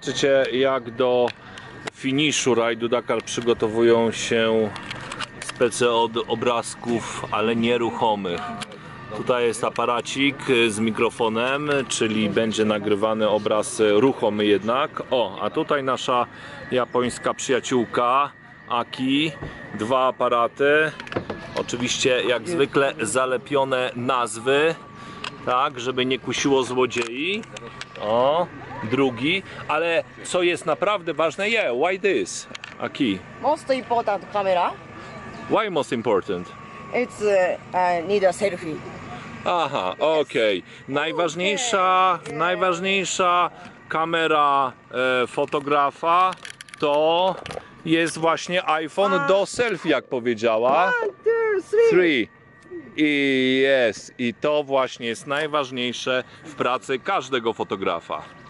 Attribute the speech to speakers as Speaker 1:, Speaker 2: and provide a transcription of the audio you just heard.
Speaker 1: Zobaczycie, jak do finiszu rajdu Dakar przygotowują się spece od obrazków, ale nieruchomych. Tutaj jest aparacik z mikrofonem, czyli będzie nagrywany obraz ruchomy jednak. O, a tutaj nasza japońska przyjaciółka Aki. Dwa aparaty. Oczywiście jak zwykle zalepione nazwy, tak, żeby nie kusiło złodziei. O, drugi, ale co jest naprawdę ważne, why this, Aki?
Speaker 2: Most important camera.
Speaker 1: Why most important?
Speaker 2: It's need a selfie.
Speaker 1: Aha, okej. Najważniejsza kamera fotografa to jest właśnie iPhone do selfie, jak powiedziała.
Speaker 2: 1, 2, 3.
Speaker 1: 3. I to właśnie jest najważniejsze w pracy każdego fotografa.